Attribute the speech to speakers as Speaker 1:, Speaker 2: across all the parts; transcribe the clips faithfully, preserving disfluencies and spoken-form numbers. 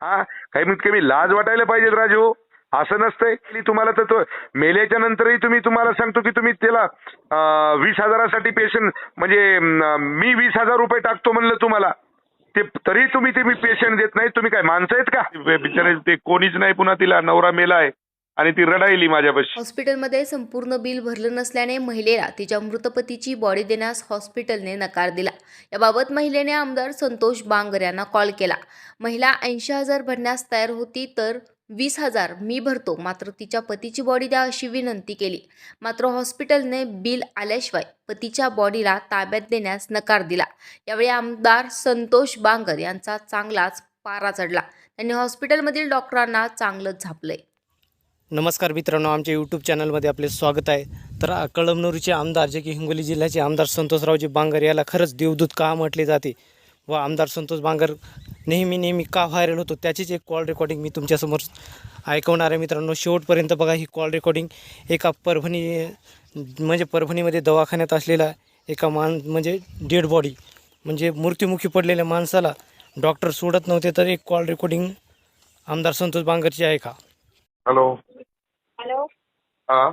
Speaker 1: हा, कमीत कमी लाज वाटायला पाहिजे राजू. असं नसतंय की तुम्हाला तर तो मेल्याच्या नंतरही तुम्ही तुम्हाला सांगतो की तुम्ही त्याला अं, वीस हजारासाठी पेशंट म्हणजे अं, मी वीस हजार रुपये टाकतो म्हणलं तुम्हाला, ते तरी तुम्ही ते मी पेशंट देत नाही. तुम्ही काय माणसं आहेत का? बिचारे ते कोणीच नाही, पुन्हा तिला नवरा मेलाय आणि ती रडायली माझ्यापाशी.
Speaker 2: हॉस्पिटलमध्ये संपूर्ण बिल भरलं नसल्याने महिलेला तिच्या मृत पतीची बॉडी देण्यास हॉस्पिटलने नकार दिला. याबाबत महिलेने आमदार संतोष बांगर यांना कॉल केला. महिला ऐंशी हजार भरण्यास तयार होती, तर वीस हजार मी भरतो, मात्र तिच्या पतीची बॉडी द्या अशी विनंती केली. मात्र हॉस्पिटलने बिल आल्याशिवाय पतीच्या बॉडीला ताब्यात देण्यास नकार दिला. यावेळी आमदार संतोष बांगर यांचा चांगलाच पारा चढला. त्यांनी हॉस्पिटलमधील डॉक्टरांना चांगलंच झापलंय.
Speaker 3: नमस्कार मित्रांनो, आमच्या यूट्यूब चॅनलमध्ये आपले स्वागत आहे. तर अ, कळमनुरीचे आमदार जे की हिंगोली जिल्ह्याचे आमदार संतोषरावजी बांगर याला खरंच देवदूत का म्हटले जाते व आमदार संतोष बांगर नेहमी नेहमी का व्हायरल होतो त्याचीच एक कॉल रेकॉर्डिंग मी तुमच्यासमोर ऐकवणार आहे. मित्रांनो, शेवटपर्यंत बघा. ही कॉल रेकॉर्डिंग एका परभणी म्हणजे परभणीमध्ये दवाखान्यात असलेला एका मान म्हणजे डेड बॉडी म्हणजे मृत्युमुखी पडलेल्या माणसाला डॉक्टर सोडत नव्हते, तर एक कॉल रेकॉर्डिंग आमदार संतोष बांगरची आहे का?
Speaker 1: हॅलो.
Speaker 4: हॅलो,
Speaker 1: हा,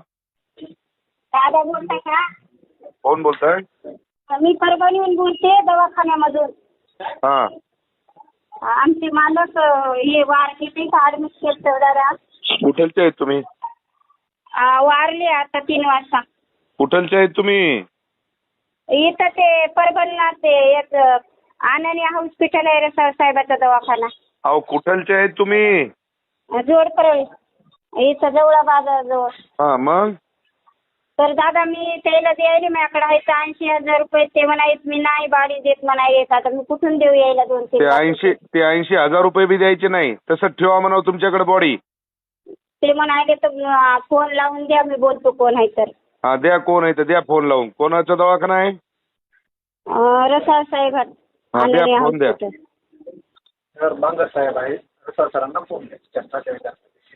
Speaker 4: दादा बोलताय का?
Speaker 1: कोण बोलताय?
Speaker 4: मी परभणीहून बोलते, दवाखान्यामधून.
Speaker 1: हा,
Speaker 4: आमचे मालक अं, हे वारले ते ऍडमिट केलं दादा.
Speaker 1: कुठलचे आहेत तुम्ही?
Speaker 4: अं, वारले आता तीन वाजता.
Speaker 1: कुठलचे आहेत तुम्ही?
Speaker 4: इथं ते परभणीला ते एक अं, आनंदी हॉस्पिटल आहे रे सर साहेबाचा दवाखाना.
Speaker 1: अहो, कुठलचे आहेत तुम्ही?
Speaker 4: जोड परळी इथं जवळ बाजाराजवळ.
Speaker 1: हा, मग
Speaker 4: तर दादा मी त्याला द्यायला माझ्याकडे आहे ऐंशी हजार रुपये. ते म्हणायत मी नाही बाडी देत म्हणायत. आता मी कुठून देऊ यायला दोन तीन
Speaker 1: ते
Speaker 4: लाख
Speaker 1: ऐंशी
Speaker 4: रुपये?
Speaker 1: ते ऐंशी हजार रुपये बी द्यायचे नाही, तसंच ठेवा म्हणावं तुमच्याकडे बॉडी.
Speaker 4: ते म्हणाले तर फोन लावून द्या, मी बोलतो कोण आहे तर.
Speaker 1: हा, द्या. कोण आहे तर द्या फोन लावून. कोणाचा दवाखाना आहे?
Speaker 4: अं, रसाळ साहेब
Speaker 1: हा, द्या
Speaker 4: आनंदी
Speaker 1: फोन द्या.
Speaker 4: हॉस्पिटल.
Speaker 5: सर बांगर साहेब आहे, रसाळ सरांना फोन द्या.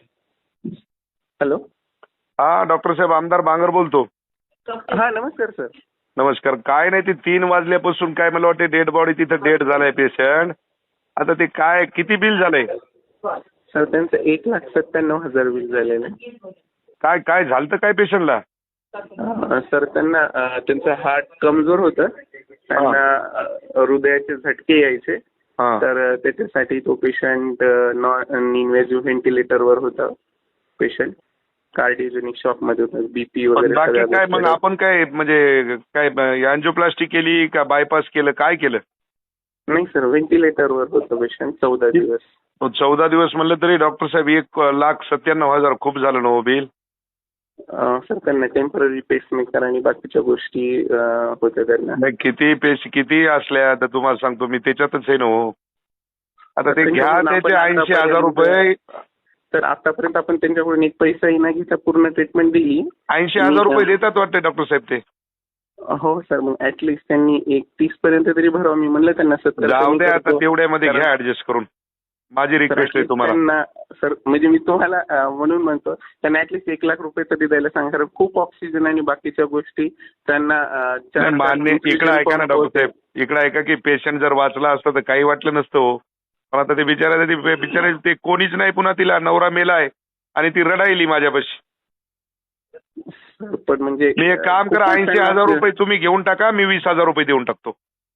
Speaker 5: हॅलो.
Speaker 1: हा, डॉक्टर साहेब, आमदार बांगर बोलतो.
Speaker 5: हा, नमस्कार सर.
Speaker 1: नमस्कार. काय नाही, ते तीन वाजल्यापासून काय मला वाटते डेड बॉडी तिथं डेड झालाय पेशंट. आता ते काय किती बिल झालंय?
Speaker 5: सर त्यांचं एक लाख सत्त्याण्णव हजार बिल झालेलं आहे.
Speaker 1: काय काय झालं काय पेशंटला?
Speaker 5: अं, सर त्यांना अं, त्यांचं हार्ट कमजोर होतं. त्यांना अं, हृदयाचे झटके यायचे.
Speaker 1: हा,
Speaker 5: तर अं, त्याच्यासाठी तो पेशंट नॉन इन्व्हेजिव्ह व्हेंटिलेटरवर होता. पेशंट कार्डिओजेनिक शॉक मध्ये होता. बीपी
Speaker 1: पण
Speaker 5: वगैरे
Speaker 1: बाकी
Speaker 5: सगळ्या
Speaker 1: काय मग
Speaker 5: गोष्टी.
Speaker 1: आपण काय म्हणजे काय अँजिओप्लास्टी केली का बायपास केलं, काय केलं?
Speaker 5: नाही सर, व्हेंटिलेटरवर होतं पेशंट चौदा दिवस.
Speaker 1: तो चौदा दिवस म्हणलं तरी डॉक्टर साहेब एक लाख सत्त्याण्णव हजार खूप झालं ना हो बिल.
Speaker 5: अं, सर त्यांना टेम्पररी पेसमेकर आणि बाकीच्या गोष्टी अं, होत्या त्यांना.
Speaker 1: नाही, किती पेश किती असल्या तर तुम्हाला सांगतो मी त्याच्यातच आहे ना हो. आता ते घ्या त्याचे ऐंशी हजार रुपये.
Speaker 5: तर आतापर्यंत आपण त्यांच्याकडून एक पैसाही न घेता पूर्ण ट्रीटमेंट दिली.
Speaker 1: ऐंशी हजार रुपये देतात वाटते डॉक्टर साहेब ते.
Speaker 5: हो सर, मग ऍटलिस्ट त्यांनी एक तीस पर्यंत तरी भरावं. मी म्हणलं त्यांना सत्तर
Speaker 1: जाऊ द्या आता, तेवढ्यामध्ये घ्या ऍडजस्ट करून. माझी रिक्वेस्ट आहे तुम्हाला.
Speaker 5: त्यांना सर म्हणजे मी तुम्हाला अं, म्हणून म्हणतो त्यांना ऍटलिस्ट एक लाख रुपये तरी द्यायला सांगा. कारण खूप ऑक्सिजन आणि बाकीच्या गोष्टी त्यांना अं, चार-
Speaker 1: नाही, मान्य.
Speaker 5: चार-
Speaker 1: इकडे ऐका ना डॉक्टर साहेब, इकडे ऐका की पेशंट जर वाचला असता तर काही वाटलं नसतं हो. पण आता ते बिचारा ते बिचारे ते कोणीच नाही, पुन्हा तिला नवरा मेलाय आणि ती रडायली माझ्यापाशी.
Speaker 5: सर, पण म्हणजे
Speaker 1: मी एक काम करा,
Speaker 5: खूपच
Speaker 1: ऐंशी
Speaker 5: त्यांना-
Speaker 1: हजार रुपये तुम्ही घेऊन टाका, मी वीस हजार रुपये देऊन टाकतो.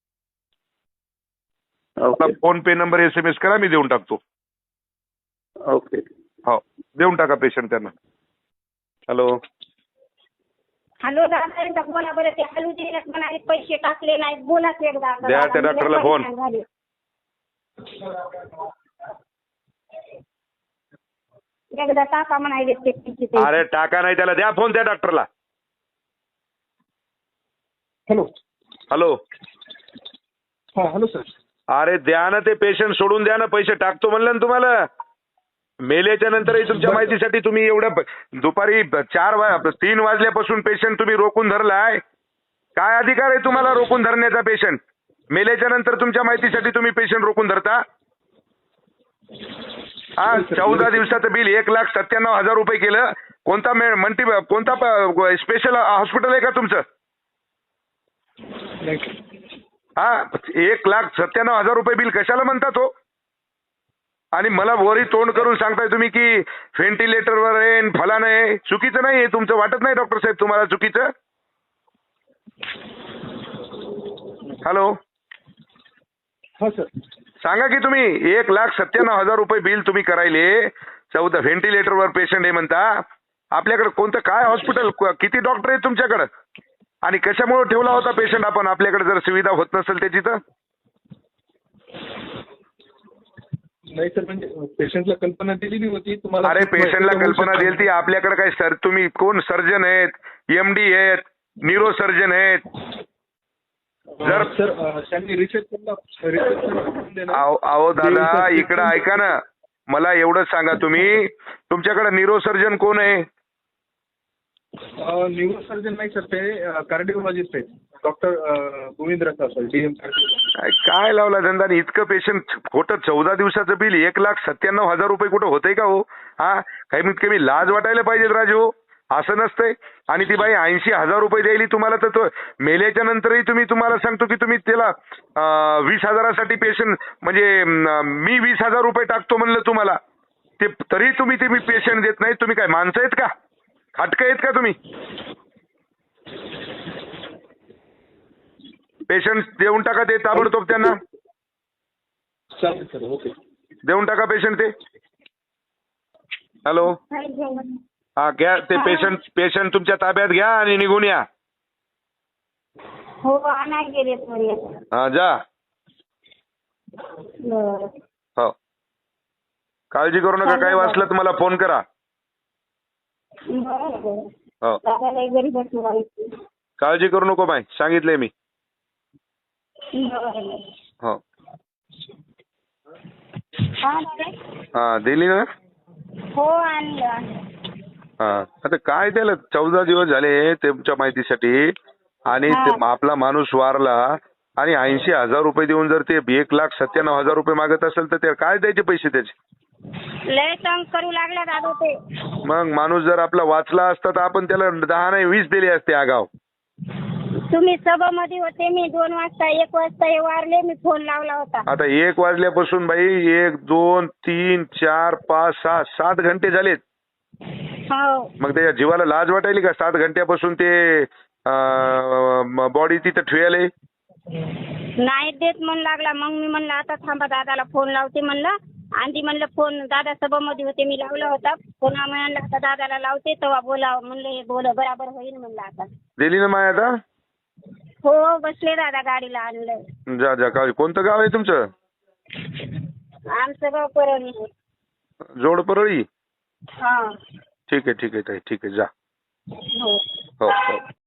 Speaker 5: Okay
Speaker 1: PhonePe number S M S करा, मी देऊन टाकतो.
Speaker 5: ओके.
Speaker 1: हो, देऊन टाका पेशंट त्यांना. हॅलो.
Speaker 4: हॅलो दादा, एकदा बोला बरं. ते हॅलो दिलेत म्हणाले, पैसे टाकले नाहीत. बोलाच एकदा.
Speaker 1: द्या त्या डॉक्टरला फोन.
Speaker 4: झाले. एकदा टाका म्हणाले ते पैसे ते.
Speaker 1: अरे टाका नाही, त्याला द्या फोन त्या डॉक्टरला.
Speaker 6: हॅलो.
Speaker 1: हॅलो.
Speaker 6: हा हॅलो सर.
Speaker 1: अरे द्या ना, ते पेशंट सोडून द्या ना, पैसे टाकतो म्हणलं ना तुम्हाला. मेल्याच्या नंतरही तुमच्या माहितीसाठी तुम्ही एवढं प- दुपारी चार वा तीन वाजल्यापासून पेशंट तुम्ही रोखून धरलाय. काय अधिकार आहे तुम्हाला रोखून धरण्याचा पेशंट? मेल्याच्या नंतर तुमच्या माहितीसाठी तुम्ही पेशंट रोखून धरता? हा, चौदा दिवसाचं बिल एक लाख सत्त्याण्णव हजार रुपये केलं. कोणता मल्टी कोणता स्पेशल हॉस्पिटल आहे का तुमचं? हा, एक लाख सत्त्याण्णव हजार रुपये बिल कशाला म्हणतात हो? आणि मला वरी तोंड करून सांगताय तुम्ही की व्हेंटिलेटरवर आहे न फलानं आहे. चुकीचं नाही आहे तुमचं, वाटत नाही डॉक्टर साहेब तुम्हाला चुकीचं? हॅलो,
Speaker 6: हा सर.
Speaker 1: सांगा की तुम्ही एक लाख सत्त्याण्णव हजार रुपये बिल तुम्ही करायले, चौदा व्हेंटिलेटरवर पेशंट आहे म्हणता. आपल्याकडे कोणतं काय हॉस्पिटल, किती डॉक्टर आहेत तुमच्याकडे, आणि कशामुळे ठेवला होता पेशंट आपण आपल्याकडे जर सुविधा होत नसेल त्याची तर?
Speaker 6: नाही सर, म्हणजे पेशंटला कल्पना दिलेली होती तुम्हाला.
Speaker 1: अरे पेशंटला कल्पना दिली ती आपल्याकडे काय सर, तुम्ही कोण सर्जन आहेत, एमडी आहेत, न्यूरो सर्जन आहेत? जर
Speaker 6: सर अं, त्यांनी रिसेप्शनला रिसेप्शन
Speaker 1: अहो अहो दादा इकडं ऐका ना, मला एवढंच सांगा तुम्ही तुमच्याकडे न्यूरो सर्जन कोण आहे?
Speaker 6: न्यूरो सर्जन नाही सर, ते कार्डिओलॉजिस्ट आहेत, doctor Govind Rasal sir, DM.
Speaker 1: काय लावला धंदा? आणि इतकं पेशंट खोटं चौदा दिवसाचं बिल एक लाख सत्त्याण्णव हजार रुपये कुठं होतंय का हो? हा, कमीत कमी लाज वाटायला पाहिजे राजू, असं नसतंय. आणि ती बाई ऐंशी हजार रुपये द्यायली तुम्हाला, तर तो मेल्याच्या नंतरही तुम्ही, तुम्हाला सांगतो की तुम्ही त्याला अं, वीस हजारासाठी पेशंट म्हणजे अं, मी वीस हजार रुपये टाकतो म्हणलं तुम्हाला, ते तरी तुम्ही ते मी पेशंट देत नाही. तुम्ही काय माणसं आहेत का, खाटकं आहेत का तुम्ही? पेशंट देऊन टाका ते ताबडतोब, त्यांना
Speaker 6: चालेल सर, ओके.
Speaker 1: देऊन टाका पेशंट ते. हॅलो, हा घ्या ते पेशंट, पेशंट तुमच्या ताब्यात घ्या आणि निघून या.
Speaker 4: हो आणा गेले थोडी.
Speaker 1: हा जा.
Speaker 4: बरं.
Speaker 1: हो, काळजी करू नका, काही वाचलं तर मला फोन करा.
Speaker 4: बरं बरं.
Speaker 1: हो,
Speaker 4: दादाला घरी बसून राहायचं.
Speaker 1: काळजी करू नको बाई, सांगितलंय मी.
Speaker 4: बरं.
Speaker 1: हो,
Speaker 4: हा दादा?
Speaker 1: हा दिली ना.
Speaker 4: हो आणलं आणलं.
Speaker 1: हा, आता काय त्याला चौदा दिवस झाले तुमच्या माहितीसाठी, आणि ते आपला माणूस वारला आणि ऐंशी हजार रुपये देऊन जर ते एक लाख सत्त्याण्णव हजार रुपये मागत असेल तर ते काय द्यायचे पैसे त्याचे?
Speaker 4: लय तंग करू लागला दादा ते.
Speaker 1: मग माणूस जर आपला वाचला असता तर आपण त्याला दहा नाही वीस दिले असते आगाव.
Speaker 4: तुम्ही सभामध्ये होते, मी दोन वाजता एक वाजता हे वारले, मी फोन लावला होता.
Speaker 1: आता एक वाजल्यापासून बाई एक दोन तीन चार पाच सहा सात घंटे झालेत.
Speaker 4: हो.
Speaker 1: मग त्याच्या जीवाला लाज वाटायली का? सात घंट्यापासून ते बॉडी तिथं ठेवले.
Speaker 4: नाही देत म्हणू लागला. मग मी म्हणलं आता थांबा, दादाला फोन लावते म्हणलं. आणि म्हणलं फोन दादा सभामध्ये होते, मी लावला होता फोन. म्हणलं आता दादाला लावते तेव्हा बोलावं म्हणलं, हे बोल बराबर होईल म्हणलं. आता
Speaker 1: दिली ना माय आता?
Speaker 4: हो बसले दादा, गाडीला आणलं.
Speaker 1: जा जा. का कोणतं गाव आहे तुमचं?
Speaker 4: आमचं गाव परळी.
Speaker 1: जोड परळी.
Speaker 4: हा.
Speaker 1: ठीक आहे ठीक आहे ताई, ठीक आहे जा.
Speaker 4: हो.
Speaker 1: हो हो.